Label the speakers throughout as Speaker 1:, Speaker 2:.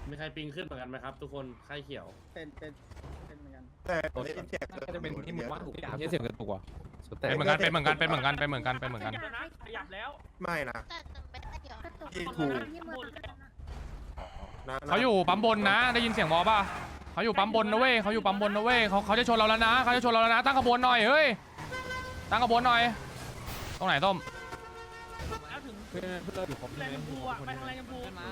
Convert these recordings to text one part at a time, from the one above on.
Speaker 1: มีใครปิงขึ้นเหมือนกันไหมครับทุกคนไข้เขียว
Speaker 2: เป็นเหมือนกัน
Speaker 3: แต่ได้ยินเสียง
Speaker 4: น่าจะเป็นที่มึงว่าถูกอย่าง
Speaker 5: เสียงกระตุกว่ะ
Speaker 4: เป็นเหมือนกันเป็นเหมือนกันเป็นเหมือนกันเป็นเหมือนกันเป็นเหมือนกัน
Speaker 6: ขยับแล้ว
Speaker 3: ไม่นะ
Speaker 7: แต่ไม่ได้เดี๋ยว
Speaker 3: ที่ถูก
Speaker 4: เขาอยู่ปั๊มบนนะได้ยินเสียงวอป่ะเขาอยู่ปั๊มบนนะเว้ยเขาอยู่ปั๊มบนนะเว้ยเขาจะชนเราแล้วนะเขาจะชนเราแล้วนะตั้งขบวนหน่อยเฮ้ยตั้งขบวนหน่อยตรงไหนต้ม
Speaker 6: แล้วถึง
Speaker 5: เพื่อนเราอยู่ครบ
Speaker 6: แล
Speaker 5: ใช่ไหม
Speaker 6: นด์ชมพูอ่ะไปทางแลนด์ชมพูหน้า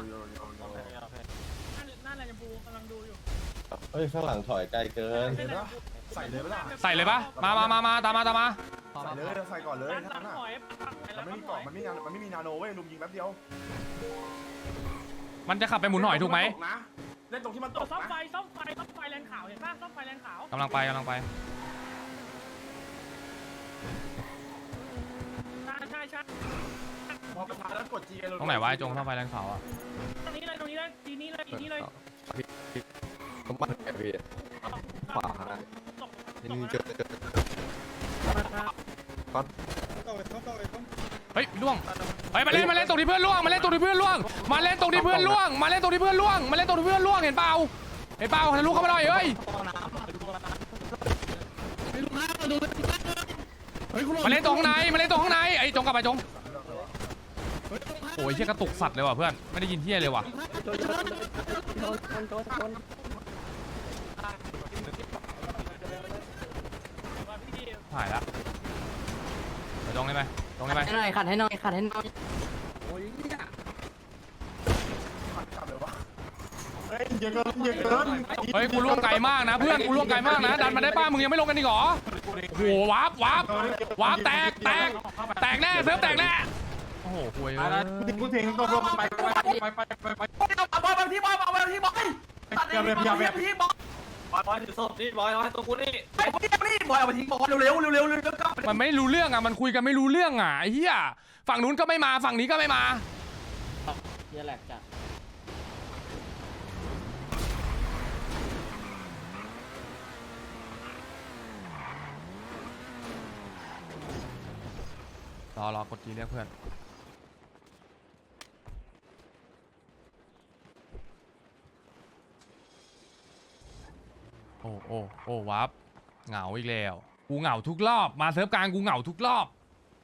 Speaker 6: แลนด์ชมพูกำลังดูอยู่
Speaker 8: เฮ้ยข้างหลังถอยไกลเกิน
Speaker 3: ใส่เลยปะล่ะ
Speaker 4: ใส่เลยปะมาตามมา
Speaker 3: ใส่เลยใส่ก่อนเลย
Speaker 6: ด้านห
Speaker 3: นั่
Speaker 6: ลั
Speaker 3: น
Speaker 6: ง
Speaker 3: น่ะ
Speaker 6: หอย
Speaker 3: มันไม่มีเกาะมันไม่มีนาโนเว้ยลุมยิงแป๊บเดียว
Speaker 4: มันจะขับไปหมุนหอยถูกไหม
Speaker 3: เล่นตรงที่มันต
Speaker 6: ตัว
Speaker 3: ก
Speaker 6: ซ่อม
Speaker 3: นะ
Speaker 6: ไฟแลนด์ขาวเห็นป่ะซ่อมไฟแลนด์ขาว
Speaker 4: กำลังไป
Speaker 6: ใช่
Speaker 3: พอกระทะแล้วกดจี
Speaker 4: ตรงไหนวะไอ้จงเข้าไฟแรงขาวอ่ะ
Speaker 6: ตรงนี้เลยทีนี้เลย
Speaker 5: ต้องมาแอบพี่ขวานี่เจอ
Speaker 4: เฮ้ยล่วงเฮ้ยมาเล่นตรงที่เพื่อนล่วงมาเล่นตรงที่เพื่อนล่วงมาเล่นตรงที่เพื่อนล่วงมาเล่นตรงที่เพื่อนล่วงมาเล่นตรงที่เพื่อนล่วงเห็นเปล่าทะลุเข้ามาหน่อยเฮ้ยมาเล่นตรงข้างในไอ้จงกลับไปจงโอ้ยเชี่ยกระตุกสัตว์เลยว่ะเพื่อนไม่ได้ยินเที่ยเลยว่ะหายละไปจงได้ไหมจงได้ไหม
Speaker 2: ให้หน่อยขัดให้หน่อย
Speaker 3: เฮ้ยเยอะเกินเยอะเกิน
Speaker 4: เฮ้ยกูล่วงไกลมากนะเพื่อนกูล่วงไกลมากนะดันมาได้ป้ามึงยังไม่ลงกันอีกเหรอโอ้โหวาร์ปแตกแน่เซิร์ฟแตกแน่โอ้โหคุยเลย
Speaker 3: พูดถึงตกลงไปเอาไปที่บอยเอาไปที่บอยพี่บอยถือศพนี่บอยตัวกูนี่บอยเอาไปทิ้งบอยเร็ว
Speaker 4: มันไม่รู้เรื่องอ่ะมันคุยกันไม่รู้เรื่องอ่ะไอ้เหี้ยฝั่งนู้นก็ไม่มาฝั่งนี้ก็ไม่มา
Speaker 2: เฮียแหลกจ้ะ
Speaker 4: รอกดทีเรียกเพื่อนโอ้วับเหงาอีกแล้วกูเหงาทุกรอบมาเซิร์ฟกลางกูเหงาทุกรอบ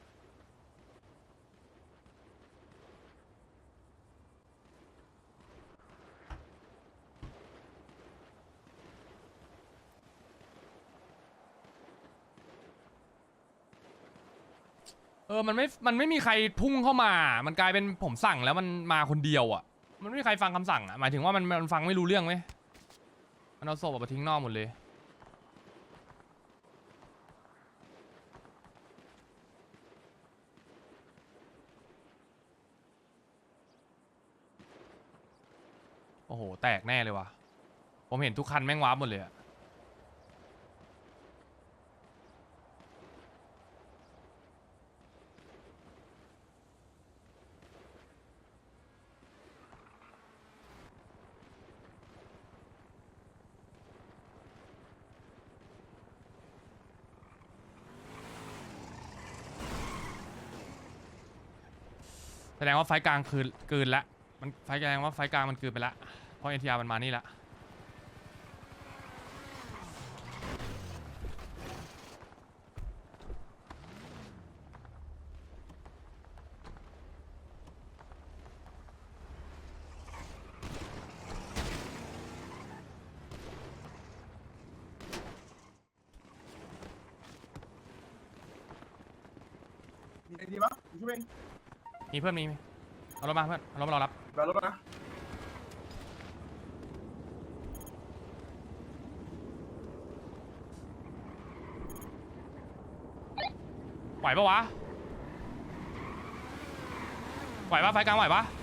Speaker 4: มันไม่มีใครพุ่งเข้ามามันกลายเป็นผมสั่งแล้วมันมาคนเดียวอ่ะมันไม่มีใครฟังคำสั่งอ่ะหมายถึงว่ามันฟังไม่รู้เรื่องไหมมันเอาศพออกมาทิ้งนอกหมดเลยโอ้โหแตกแน่เลยว่ะผมเห็นทุกคันแม่งวาร์ปหมดเลยอะแสดงว่าไฟกลางคืนเกินละมันไฟแสดงว่าไฟกลางมันเกินไปละเพราะเอ็นทีอาร์มันมานี่ละ
Speaker 3: ดีปะช่วยเอง
Speaker 4: มีเพื่อนมีเอารถมาเพื่อนเอารถมารอรับ
Speaker 3: แบบรถนะ
Speaker 4: ไหวปะวะไหวปะไฟกลางไหวปะ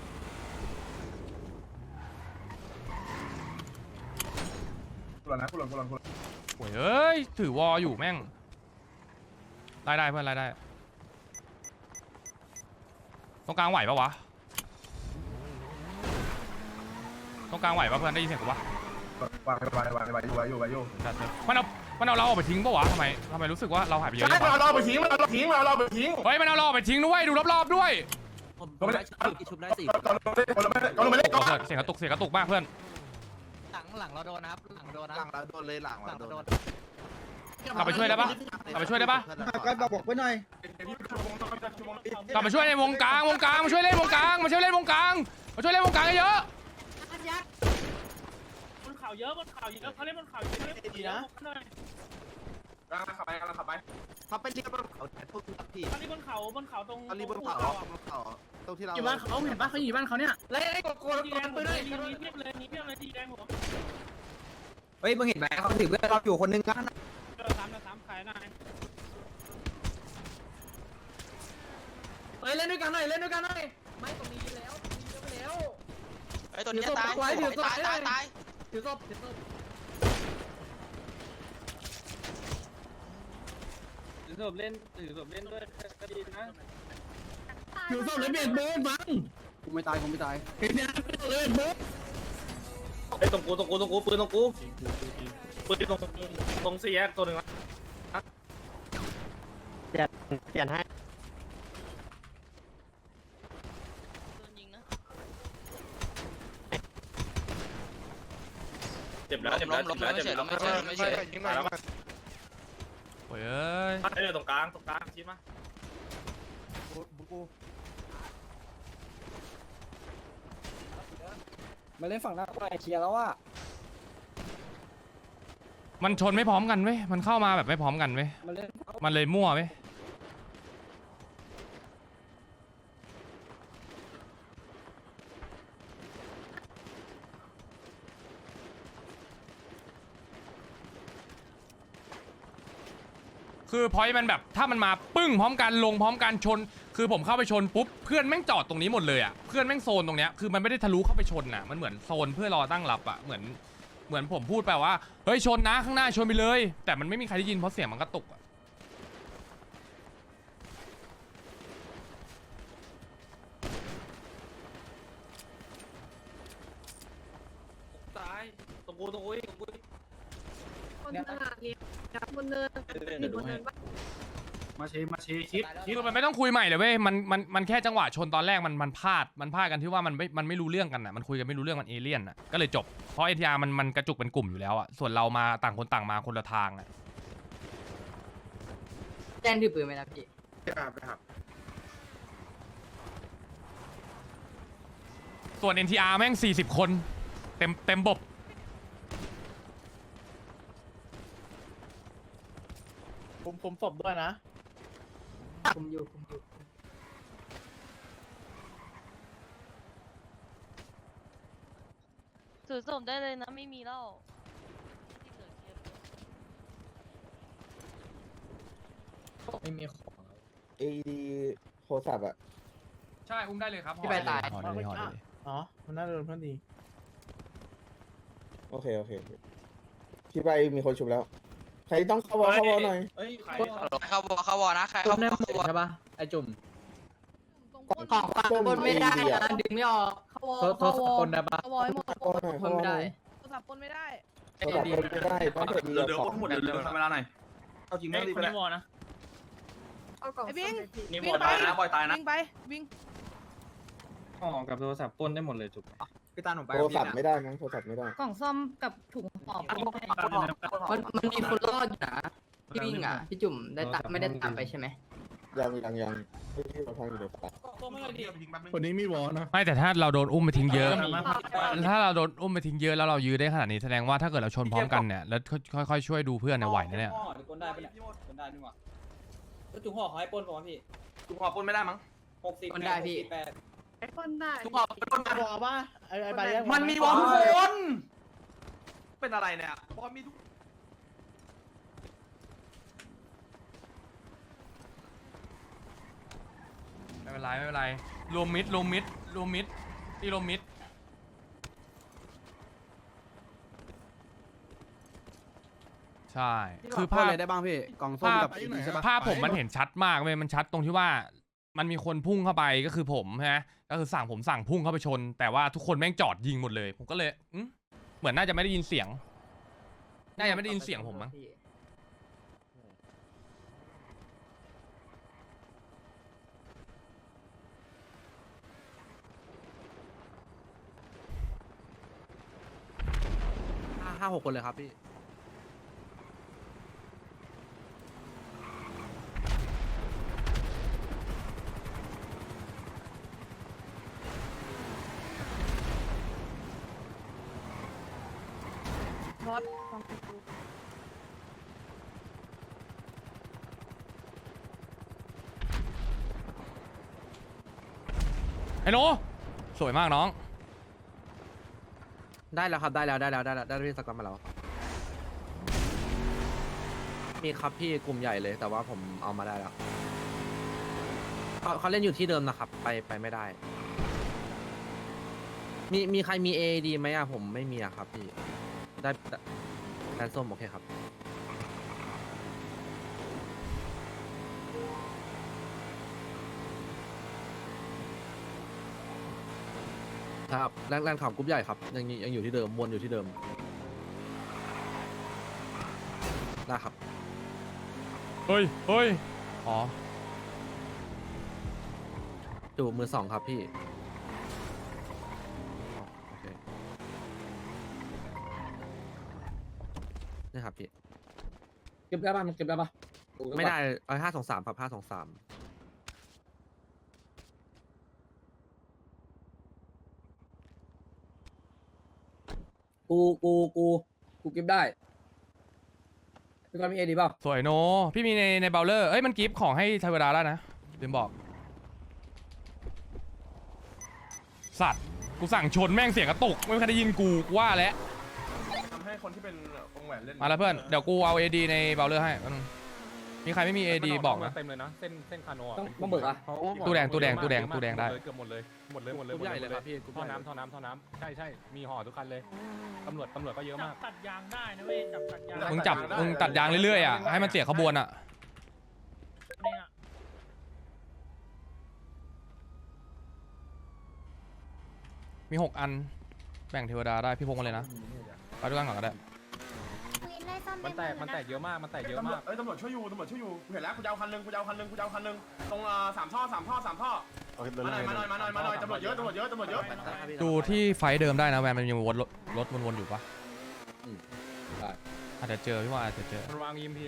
Speaker 3: กูหล่นนะกูหล่น
Speaker 4: โอ้ยเอ้ยถือวออยู่แม่งไล่ได้เพื่อนไล่ได้ตรงกลางไหวปะวะตรงกลางไหวปะเพื่อนได้ยินเสียงกูปะ
Speaker 3: วางอยู่
Speaker 4: มันเอาเราออกไปทิ้งปะวะทำไมรู้สึกว่าเราหายไปเยอะ
Speaker 3: ใช่
Speaker 4: จังวะ
Speaker 3: เราไปทิ้งเราทิ้ง
Speaker 4: เฮ้ยมันเอาเราออกไปทิ้งด้วยดูรอบๆด้วย
Speaker 2: ผมได้ชุบได้4
Speaker 3: ก่อนลงไปเล่นก่อน
Speaker 4: เสียงกระตุกมากเพื่อน
Speaker 2: หลังเราโดนนะครับหลังโดนนะ
Speaker 7: หลังเราโดนเลยหลังเราโดน
Speaker 4: กลับไปช่วยได้ปะกลับไปช่วยได้ปะ
Speaker 2: ก็บอกไปหน่อย
Speaker 4: กลับมาช่วยในวงกลางมาช่วยเล่นวงกลางมาช่วยเล่นวงกลางมาช่วยเล่นวงกลางเยอะ
Speaker 6: บนเขาเยอะบนเขาเยอะเขาเล่นบนเขาเยอะดีนะ
Speaker 3: กำลังขับไปกำลังขับไป
Speaker 7: เขาไปเรียกบนเขาแต่พวกพี่
Speaker 6: ตอนนี้บนเขาตรง
Speaker 7: เขาเรียกบนเขาตรงที่เรา
Speaker 2: อยู่บ้านเขาเห็นปะเขาอยู่บ้านเขาเนี่ย
Speaker 6: ดีแดงปืนเลยนี้เพียบเลยนี้เพียบเลยดีแดงหัว
Speaker 2: เฮ้ยมึงเห็นไหมเขาถือเพื่อนเราอยู่คนนึงนะ
Speaker 6: สามขายหน่อย
Speaker 2: เฮ้ยเล่นด้วยกันหน่อยเล่นด้วยกันหน่อยไม่ตรงนี้แล้วเยอะไปแล้ว
Speaker 9: ไอ้ตัวนี้ตายตาย
Speaker 2: ถือศพ
Speaker 1: ถือศพเล่นด้วยก็ดีนะ
Speaker 2: ถือศพเลยเบียดเบิร์ดบังกูไม่ตายเฮ้ยเนี่ยเลยเบิร์ด
Speaker 1: ไอ้ตรงกูปืนตรงกูปืนตรงสี่แยกตัวหนึ่งนะ
Speaker 2: เปลี่ยนให้
Speaker 1: เจ็บแล้ว
Speaker 9: ไม่เฉย
Speaker 4: โอ้ยเอ้ย
Speaker 1: ไอ้ตรงกลางชี้มา
Speaker 2: มาเล่นฝั่งหน้าก็เคลียร์แล้วว่า
Speaker 4: มันชนไม่พร้อมกันเว้ยมันเข้ามาแบบไม่พร้อมกันเว้ย
Speaker 2: มาเล่น
Speaker 4: มันเลยมั่วเว้ยคือพอยมันแบบถ้ามันมาปึ้งพร้อมกันลงพร้อมกันชน คือผมเข้าไปชนปุ๊บเพื่อนแม่งจอดตรงนี้หมดเลยอ่ะเพื่อนแม่งโซนตรงเนี้ยคือมันไม่ได้ทะลุเข้าไปชนอ่ะมันเหมือนโซนเพื่อรอตั้งรับอ่ะเหมือนผมพูดไปว่าเฮ้ยชนนะข้างหน้าชนไปเลยแต่มันไม่มีใครได้ยินเพราะเสียงมันกระตุกอ่ะ
Speaker 1: ตายตรงกู
Speaker 10: คนตลาดเรียนบนเนินมีบนเนินปะ
Speaker 3: มาชี้คิด
Speaker 4: คือมันไม่ต้องคุยใหม่เลยเว้ยมันแค่จังหวะชนตอนแรกมันพลาดกันที่ว่ามันไม่รู้เรื่องกันอ่ะมันคุยกันไม่รู้เรื่องมันเอเลี่ยนอ่ะก็เลยจบเพราะ NTR มันกระจุกเป็นกลุ่มอยู่แล้วอ่ะส่วนเรามาต่างคนต่างมาคนละทางอ่ะ
Speaker 2: แจ้งถือปืนไหมนะพี่
Speaker 4: ส่วน NTR แม่ง40 คนเต็มบบ
Speaker 2: ผมศพด้วยนะผมอยู่
Speaker 10: ถือศพได้เลยนะไม่มีแล้ว
Speaker 2: ไม่มีของ
Speaker 8: เอดีโทรศัพท์อ่ะ
Speaker 4: ใช่อุ้มได้เลยครับ
Speaker 2: พี่ไปตาย
Speaker 4: ห่อได้เลย
Speaker 2: อ๋อมันน่าโดนเพื่อนดี
Speaker 8: โอเคพี่ไปมีคนชุบแล้ว ใครต้องเข้าวอลหน่อย
Speaker 3: เฮ้ยใคร
Speaker 9: เข้าวอนะใคร
Speaker 2: จุ่
Speaker 9: เข้าม
Speaker 2: ได้หมด
Speaker 9: วอ
Speaker 2: ใช่ปะไอจุ่ม
Speaker 8: ของฝากบนไม่ได้นะ
Speaker 2: ดึงไม่ออก
Speaker 10: เขาวอ
Speaker 2: โทษคนได้ปะ
Speaker 10: เขาวอให้หมด
Speaker 8: เข้าวอลหน่อยเข้าวอลหน่อย
Speaker 10: โทรศัพท์ปนไม่ได้
Speaker 8: โทรศัพท์บนไม่ได้ต้องเปิดดี
Speaker 3: เดี๋ยว
Speaker 8: ของ
Speaker 3: หมดเดี๋ยวทำเวลาหน่อยเอาจริงไม่รีบไปแล้ว
Speaker 10: เอากล่อง
Speaker 6: ไอ้บิง
Speaker 3: นี่บอยตายนะบอยตายนะ
Speaker 10: วิ่งไปวิ่ง
Speaker 1: ห่อกับโทรศัพท์ปนได้หมดเลยจุก
Speaker 2: พี่ตาหนูไป
Speaker 8: โทรศัพท์ไม่ได้มั้งโทรศัพท์ไม่ได้
Speaker 10: กล่องซ่อมกับถุงห่อ
Speaker 2: มันมีคนรอดอยู่นะพี่วิ่งอ่ะพี่จุ่มได้ตามไม่ได้ตามไปใช่ไหม
Speaker 8: ยังที่เราทำอยู่ในป่า
Speaker 2: คนนี้มีวอนะ
Speaker 4: ไม่แต่ถ้าเราโดนอุ้มไปทิ้งเยอะ ถ้าเราโดนอุ้มไปทิ้งเยอะแล้วเรายื้อได้ขนาดนี้แสดงว่าถ้าเกิดเราชนพร้อมกันเนี่ยแล้วค่อยๆช่วยดูเพื่อนเนี่ยไหวนะเนี่ย
Speaker 2: คนได้ปะเนี่ยคนได้นี่หว่าจุ่มห่อเขาให้ปนป่ะพี่
Speaker 3: กูขอปนไม่ได้มั้ง
Speaker 2: 60คนได้พี่
Speaker 10: ปนได้
Speaker 3: กูขอปน
Speaker 2: วอป่ะไอ้ใบ
Speaker 3: มันมีวอลทุกคน เป็นอะไรเนี่ยบอลมีทุก
Speaker 4: ไม่เป็นไรรวมมิดที่รวมมิดใช่คือภาพ
Speaker 2: อะไรได้บ้างพี่กล่องส้มกับใช่ปะ
Speaker 4: ภาพผมมันเห็นชัดมากเลยมันชัดตรงที่ว่ามันมีคนพุ่งเข้าไปก็คือผมใช่ไหมก็คือผมสั่งพุ่งเข้าไปชน แต่ว่าทุกคนแม่งจอดยิงหมดเลยผมก็เลยเหมือนน่าจะไม่ได้ยินเสียงผมมั้ง
Speaker 3: 5-6 คนเลยครับพี่
Speaker 10: บอส
Speaker 4: ไอ้โนสวยมากน้อง
Speaker 3: ได้แล้วครับได้แล้วได้พี่สกอตมาแล้วมีครับพี่กลุ่มใหญ่เลยแต่ว่าผมเอามาได้แล้วเขาเล่นอยู่ที่เดิมนะครับไปไม่ได้ มีใครมี AD ไหมอะผมไม่มีอะครับพี่ได้แลนส้มโอเคครับครับแรงข่าวกรุ๊ปใหญ่ครับยังอยู่ที่เดิมวนอยู่ที่เดิมได้ครับ
Speaker 4: เฮ้ยอ๋อ
Speaker 3: อยู่มือสองครับพี่โอเคนี่ครับพี่
Speaker 2: เก็บได้ป่ะมันเก็บได้ป่ะ
Speaker 3: ไม่ได้523ครับ523
Speaker 2: กูเก็บได้พี่กอนมีเอดีเปล่า
Speaker 4: สวยโนพี่มีในเบลเลอร์เอ้ยมันกิฟต์ของให้เทวดาได้นะลืมบอก สัตว์กูสั่งชนแม่งเสียงกระตุกไม่มีใครได้ยินกูว่าแล้ว
Speaker 3: ทำให้คนที่เป็นวงแหวนเล่น
Speaker 4: มาแล้วเพื่อนเดี๋ยวกูเอา AD ในเบลเลอร์ให้แป๊บนึงมีใครไม่มี AD บอกนะ
Speaker 6: เต็มเลยนะเส้นคาโน
Speaker 2: ต้องเบิกอ่ะ
Speaker 4: ตู้แดงได้
Speaker 6: เกือบหมดเลย
Speaker 3: กรุ๊ปใหญ่เลยครับพี่กรุ๊ป
Speaker 6: ท่อ
Speaker 3: ใหญ่
Speaker 6: น้ำใช่มีห่อทุกคันเลยตำรวจก็เยอะมากตัดยางได้นะเว้ยตัดยาง
Speaker 4: มึงตัดยางเรื่อยๆอ่ะให้มันเสียขบวนอ่ะมี6 อันแบ่งเทวดาได้พี่พงมาเลยนะไปด้วยกันก่อนก็ได้
Speaker 6: มันแตกเยอะมากมันแตกเยอะมาก
Speaker 3: ตำรวจช่วยอยู่เห็นแล้วกูจะเอาคันนึงตรง3 ท่อมาหน่อยตำรวจเยอะ
Speaker 4: ดูที่ไฟเดิมได้นะแวนมันยังวนรถวนๆอยู่ปะอาจจะเจอพี่ว่าอาจจะเจอ
Speaker 6: มันวาง EMP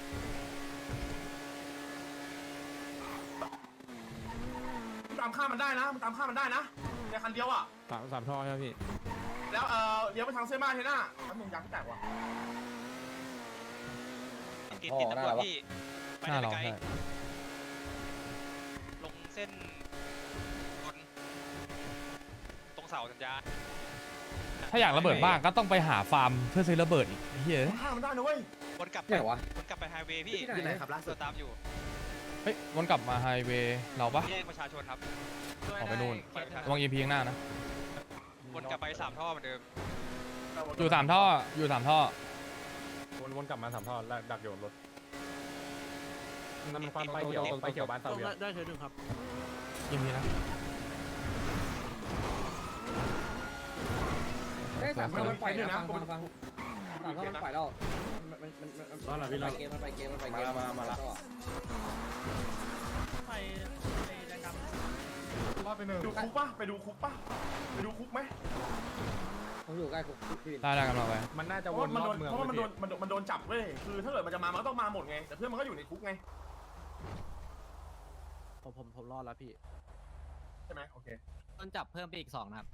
Speaker 3: ตามฆ่ามันได้นะในคันเดียวอ่ะ
Speaker 6: สามท่อใช่ไหมพี่
Speaker 3: แล้วเลี้ยวไปทางเส้นบ้านเทน่าแป๊บนึงยางแตกว่ะ
Speaker 9: ติดตำรวจพี่ไป
Speaker 4: หน้า
Speaker 9: ได้
Speaker 4: เรา
Speaker 9: ไกล
Speaker 4: ใช่
Speaker 9: ลงเส้นบนตรงเสาสัญญาณ
Speaker 4: ถ้าอยากระเบิดบ้างก็ต้องไปหาฟาร์มเพื่อซื้อระเบิดอีกเฮ้ย
Speaker 3: ฆ่ามันได้นะเว้ย
Speaker 9: วนกลับ
Speaker 2: ไหนวะ
Speaker 9: วนกลับไปไฮเวย์พี่
Speaker 7: ที่ไหนครับล่าสุด
Speaker 9: ตามอยู่
Speaker 4: เฮ้ยวนกลับมาไฮเวย์เราปะ
Speaker 9: แยกประชาชนครับ
Speaker 4: ออกไปนู่น
Speaker 9: แยกประชาช
Speaker 4: ระวัง EMP ข้างหน้านะ
Speaker 9: วนกลับไป3 ท่อเหมือนเดิม
Speaker 4: อยู่3 ท่อ
Speaker 6: วนกลับมา3 ท่อแล้วดักโยนรถนั่นมันความไฟเขียวบ้านเสาเวีย
Speaker 3: ได้เธอหนึ่งครับ
Speaker 4: EMP นะ
Speaker 2: เอ้ย3 ท่อมันปล่อยนะฟัง3 ท่อมันปล่อยแล้วมันไปเกมมาแล้ว
Speaker 3: ดูคุกปะไปดูคุกไหม
Speaker 2: ผมอยู่ใกล้คุกพี่วิน
Speaker 4: ได้กันมาไป
Speaker 6: มันน่าจะ
Speaker 3: เพ
Speaker 6: ว
Speaker 3: ราะ
Speaker 6: น
Speaker 3: มัน
Speaker 6: ร
Speaker 3: โด
Speaker 6: อบ
Speaker 3: น
Speaker 6: เมือง
Speaker 3: เพราะว่ามันโดนจับเว้ยคือถ้าเกิดมันจะมามันก็ต้องมาหมดไงแต่เพื่อนมันก็อยู่ในคุกไงผมรอดแล้วพี่ใช่ไหมโอเค
Speaker 9: ต้นจับเพิ่มไปอีก2นะครับ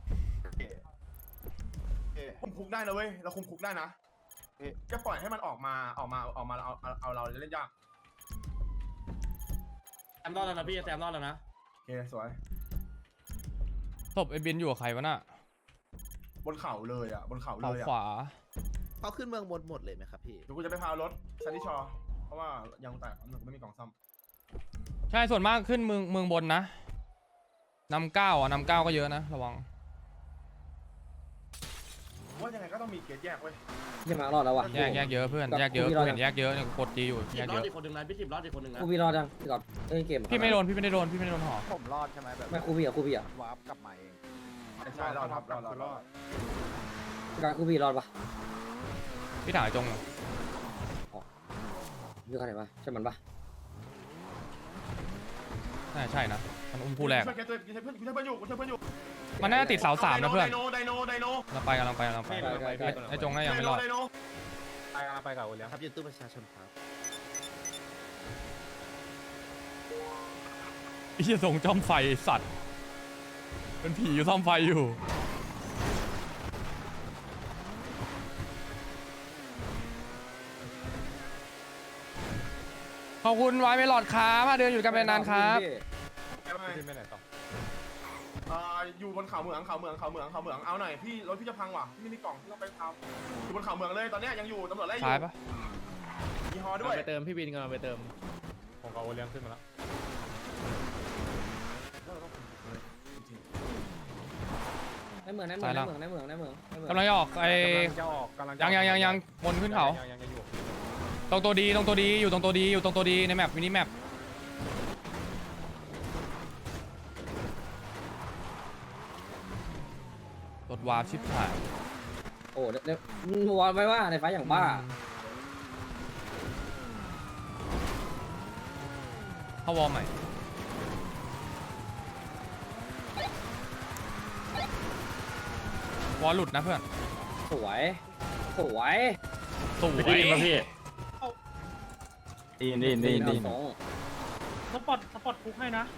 Speaker 3: คุมคุกได้นะเว้ยเราคุมคุกได้นะจะปล่อยให้มันออกมาเอาเราจะเล่นยาก
Speaker 2: แซมรอดแล้วนะพี่แซมรอดแล้วนะ
Speaker 3: โอเคสวย
Speaker 4: ศพไอ้บินอยู่กับใครวะน่ะ
Speaker 3: บนเขาเลยอ่ะบนเขาเล
Speaker 4: เขา
Speaker 3: ยอ่ะ
Speaker 4: ขวา
Speaker 7: เขาขึ้นเมืองหมดเลยไหมครับพี่
Speaker 3: เดี๋ยวกูจะไปพารถซันนี่ชอเพราะว่ายังแตกไม่มีกล่องซ่อม
Speaker 4: ใช่ส่วนมากขึ้นเมืองบนนะนำ9อ่ะนำ9ก็เยอะนะระวัง
Speaker 3: ว่ายังไงก็ต้องมีเกตแยกเว้ย
Speaker 2: ยังมารอดแล้วว่ะ
Speaker 4: แยกเยอะเพื่อนแยกเยอะกูเห็นแยกเยอะเนี่ยกูกดจีอยู่แยกเยอะ
Speaker 2: กูพี่รอดยังพี่ก่อนเล่นเกม
Speaker 4: พี่ไม่ได้โดนหอ
Speaker 7: ผมรอดใช่ไหมแบบ
Speaker 2: ไม่กูพี่อ่ะ
Speaker 7: วาร์ปกลับมาเอง
Speaker 3: ใช่รอด
Speaker 2: การกูพี่รอดปะ
Speaker 4: พี่ถ่ายจง
Speaker 2: อยู่ใครปะใช่มันปะ
Speaker 4: ใช่นะมันอุ้มผู้แรก
Speaker 3: ช่วยเกตตัวช่วยเพื่อนอยู่
Speaker 4: มันน่าจะติดเสาสามนะเพื่อน
Speaker 3: ไดโน
Speaker 4: เราไปกำลังไปไอ้จงน่ายังไม่รอด
Speaker 6: ไปกับโอเลี้ยง
Speaker 7: ครับยืนตู้ประชาชนครับ
Speaker 4: ไอ้เหี้ยทรงจ้อมไฟสัตว์เป็นผีอยู่ซ่อมไฟอยู่ขอบคุณไว้ไม่หลอดครับมาเดินอยู่กันเป็นนานครับ
Speaker 6: ขึ้นไปไหนต่อ
Speaker 3: อยู่บนเขาเหมืองเอาหน่อยพี่รถพี่จะพังว่ะพี่ไม่มีกล่องพี่ต้องไปทำอยู่บนเขาเหมืองเลยตอนนี้ยังอยู่ตำรวจไล่อยู่
Speaker 4: ซ้ายปะ
Speaker 3: มีฮอด้วย
Speaker 2: ไปเติมพี่บินกันไปเติม
Speaker 6: ผมกับโอเลี้ยงขึ้นมาแล้ว
Speaker 2: ในเมือง
Speaker 4: กำลังจะออกไอ้
Speaker 6: จะออกกำลัง
Speaker 4: ยังบนขึ้นเขา
Speaker 6: ยังอยู่
Speaker 4: ตรงตัวดีอยู่ตรงตัวดีในแมปมินิแมปรถวาร์ปชิบหาย
Speaker 2: โอ้เดี๋ยววอนไว้ว่าในไฟอย่างบ้า
Speaker 4: เข้าวอลใหม่วอลหลุดนะเพื่อน
Speaker 2: สวย
Speaker 4: สวย
Speaker 2: ดี
Speaker 6: สปอตคุกให้นะ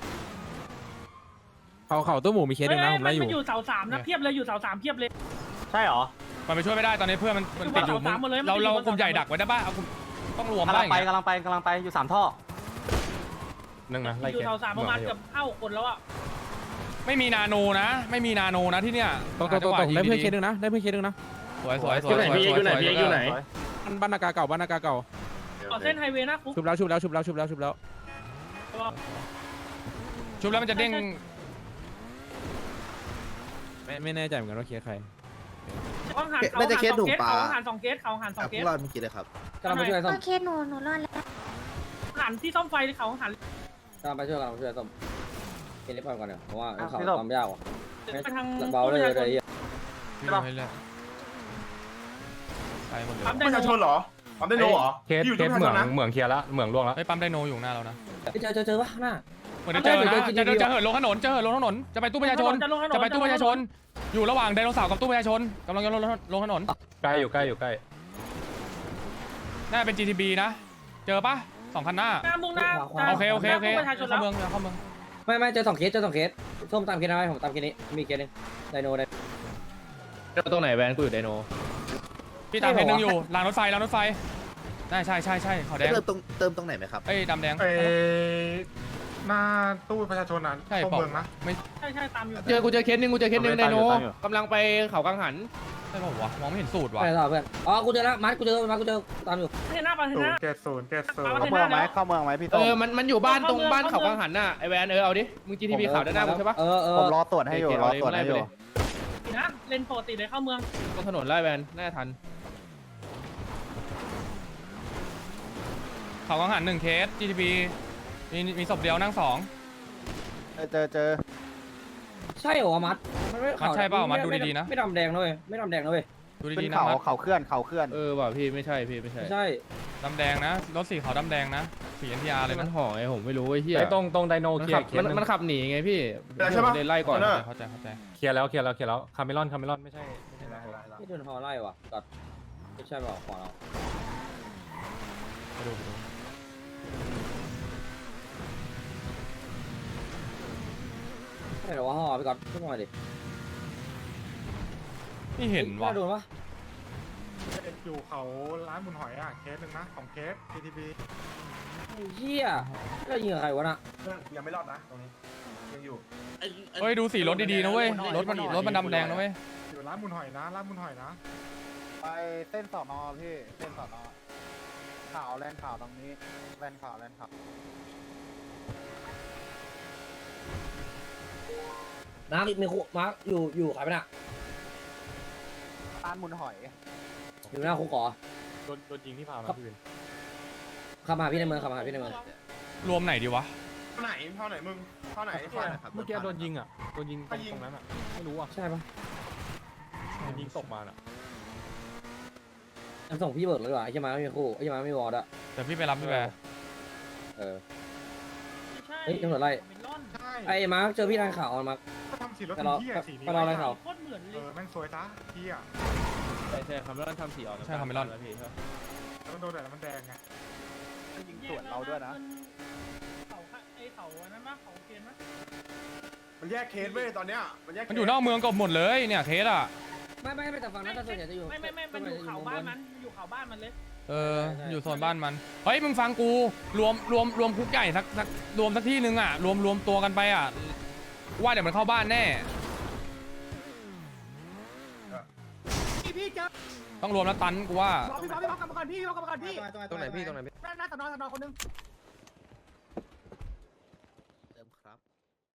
Speaker 2: เขาตู้หมูมีเคสหนึ่งนะผมไล่อยู่
Speaker 6: อยู่เสาสามนะเพียบเลยอยู่เสาสามเพียบเลย
Speaker 1: ใช่เหรอ
Speaker 4: มันไปช่วยไม่ได้ตอนนี้เพื่อนมันติดอยู่
Speaker 6: มันหมดเลย
Speaker 4: เรากลุ่มใหญ่ดักไว้ได้ป่ะเอากลุ่มต้องรวมได้อย่างเงี้ย
Speaker 1: กำลังไปอยู่3ท่อ
Speaker 6: นึงนะไล่
Speaker 10: อยู่เสาสามประมาณเกือบ5 คนแล้วอ่ะ
Speaker 4: ไม่มีนาโนนะที่เนี่ย
Speaker 2: ตรงได้เพื่อนเคสหนึ่งนะได้เพื่อนเคสหนึ่งนะ
Speaker 4: สวย
Speaker 2: บ้านนากาเก่า
Speaker 10: ต่อเส้นไฮเวย์นะคุก
Speaker 2: ชุบแล้ว
Speaker 4: ชุบแล้วมันจะเด้ง
Speaker 2: ไม่แน่ใจเหมือนกันว่าเคสใคร
Speaker 10: เขาหันเขาหัน2 เคสเขาหัน2 เค
Speaker 7: พว
Speaker 10: ส
Speaker 7: กเราเมื่อกี้เลยครับ
Speaker 2: กำลังไปช่วยส้ม
Speaker 11: โอเคหนูรอดแล้ว
Speaker 10: หันที่ซ่อมไฟเขาหัน
Speaker 2: กำลังไปช่วยส้มเคสนี้ก่อนเดี๋ยวเพราะว่าเขาทำยากว่ะ
Speaker 10: ไปทาง
Speaker 2: เบาเลย
Speaker 4: ไม่รู้ให้เลือกไปหมดเลย
Speaker 3: ประชาชนเหรอปั๊มไดโนเหรอ
Speaker 6: เคสเหมืองเคลียร์แล้วเหมืองล่วงแล้ว
Speaker 4: ไอ้ปั๊มไดโนอยู่หน้าเรานะ
Speaker 2: เจอวะหน้า
Speaker 4: เหมือนจะเจอนะจะเหินลงถนนจะไปตู้ประชาชนอยู่ระหว่างไดโนเสาร์กับตู้ประชาชนกำลังจะลงถนน
Speaker 6: ใกล้อยู่ใกล้
Speaker 4: น่าเป็น GTB นะเจอปะ2 คันหน้า
Speaker 10: หน้ามุ่งหน้า
Speaker 4: โอเค
Speaker 10: ประชาชน
Speaker 4: เข้า
Speaker 10: แล้ว
Speaker 4: เมืองเข้าเมือง
Speaker 2: ไม่เจอ2 เคสส้มตามเคสอะไรผมตามเคสนี้มีเคสนึงไดโนตรงไหนแวนกูอยู่ไดโน
Speaker 4: พี่ตามเพจนึงอยู่รางรถไฟใช่ขาวแดง
Speaker 7: เติมตรงไหนไหมครับ
Speaker 4: เอ้ยดำแดง
Speaker 6: หน้าตู้ประชาชนนั้น
Speaker 4: ใช่เปล่าไม่
Speaker 10: ใช่ตามอยู่
Speaker 2: เจอเคสนึงไดโนกำลังไปเขากังหัน
Speaker 4: ใช่เปล่าวะมองไม่เห็นสูตรวะ
Speaker 2: ไปต่อเพื่อนกูเจอแล้วกูเจอตามอยู่
Speaker 10: เห็นหน้าเห็นหน้า
Speaker 6: เกตศูนย์
Speaker 10: เข้าเมืองไหมเข้าเมืองไหมพี่ต้น
Speaker 2: มันอยู่บ้านตรงบ้านเขากังหันน่ะไอแวนเอาดิมึง GTP ข่าวด้านหน้ากูใช่ปะ
Speaker 7: ผมรอตรวจให้อยู่รอตรวจให้อยู่
Speaker 10: นะเลนปกติเลยเข้าเมือง
Speaker 2: ตรงถนนไล่แวนน่าทัน
Speaker 4: เขากังหัน1 เคส GTB มีศพเดียวนั่ง2
Speaker 7: เจอ
Speaker 2: ใช่เหรอมัด
Speaker 4: มัดใช่เปล่ามัดดูดีๆนะ
Speaker 2: ไม่ดำแดงนะเว้ย
Speaker 4: ดูดีๆนะมัด
Speaker 7: เขาเคลื่อน
Speaker 2: ว่ะพี่ไม่ใช่ใช่
Speaker 4: ดำแดงนะรถสีขาวดำแดงนะสี NTR เลย
Speaker 2: มั
Speaker 4: นะ
Speaker 2: นห่อไงผมไม่รู้ไอ้เหี้ย
Speaker 6: ไอ้ตรงไดโนเคลียร์
Speaker 2: มันขับหนีไงพี่
Speaker 3: ใช่ปะ
Speaker 2: ไล่ก่อน
Speaker 4: เข้าใจ
Speaker 6: เคลียร์แล้วคาเมลอนไม่ใช่
Speaker 2: ที่โดนห่อไล่ว่ะกัดไม่ใช่เปล่าขอเรา
Speaker 4: ไปดู
Speaker 2: ใช่หรอว่าห่อไปก่อนขึ้นมาดิ
Speaker 4: ไม่เห็นวะ
Speaker 2: โดนปะ
Speaker 6: อยู่เขาร้านบุญหอยอ่ะเคสหนึ่งนะของเคส TTB
Speaker 2: เหี้ยก็ยิงใครวะน่ะ
Speaker 3: ยังไม่รอดนะตรงนี้ยังอยู่
Speaker 4: เฮ้ยดูสีรถดีๆนะเว้ยรถมันดำแดงนะเว้ย
Speaker 6: อยู่ร้านบุญหอยนะ
Speaker 7: ไปเส้นสอนอพี่เส้นสอนอข่าวแลนข่าวตรงนี้แลนข่าว
Speaker 2: น้ำมีคุกมาร์กอยู่ใครไปน่ะ
Speaker 7: ร้านมุนหอย
Speaker 2: อยู่หน้าคุกก่อ
Speaker 6: โดนยิงที่พาวนะพี่วิน
Speaker 2: ขับมาพี่ในเมือง
Speaker 4: รวมไหนดีวะ
Speaker 3: เท่าไหนมึงเท่าไหน
Speaker 6: เมื่อกี้โดนยิงตรงนั้นอ่ะไม่รู้อ่ะ
Speaker 2: ใช่ปะ
Speaker 6: โดนยิงตกมาอ่ะ
Speaker 2: ส่งพี่เบิร์ดเลยดีกว่าไอ้เหี้ยมาไม่มีคู่ไอ้เหี้ยมาไม่มีวอร์ดอะ
Speaker 4: เดี๋ยวพี่ไปรับพี่แบร์
Speaker 2: เฮ้ยตำรวจไล่ไอ้มาร์กเจอพี่ทางข่าวมาร์ก
Speaker 6: ทำสี
Speaker 7: สีรถ
Speaker 2: ไปรอ
Speaker 7: เหี้ยสีนี้
Speaker 2: ไปรออะไรเขา
Speaker 6: โคตรเหมือนเลย
Speaker 7: แม่งสวยซะเหี้ย
Speaker 3: ใช่คาเมลอนทำสีออก
Speaker 4: ใช่คาเมลอน
Speaker 7: แล้วมันโดนแดดแล้วมันแดงไง
Speaker 6: ยิงสวนเราด้วยนะเขาไอ้เขาอันนั้นมั้ยเขาเกมมั้ย
Speaker 7: มันแยกเคสเว้ยตอนเนี้ยมันแยก
Speaker 4: มันอยู่นอกเมืองก็หมดเลยเนี่ยเคสอ่ะ
Speaker 2: ไม่แต่ฝั่งนั้นส่วนใหญ่จะอยู่
Speaker 6: ไม่มันอยู่เขาบ้านมันอยู่เขาบ้านมันเลย
Speaker 4: เอออยู่โซนบ้านมันเฮ้ยมึงฟังกูรวมคุกใหญ่สักรวมสักที่นึงอ่ะรวมตัวกันไปอ่ะว่าเดี๋ยวมันเข้าบ้านแน่ต้องรวมแล้วตันกูว่า
Speaker 3: พี่กลับมาก่อนพี่
Speaker 5: ตรงไหนพี่
Speaker 3: หน้าสนอคนนึง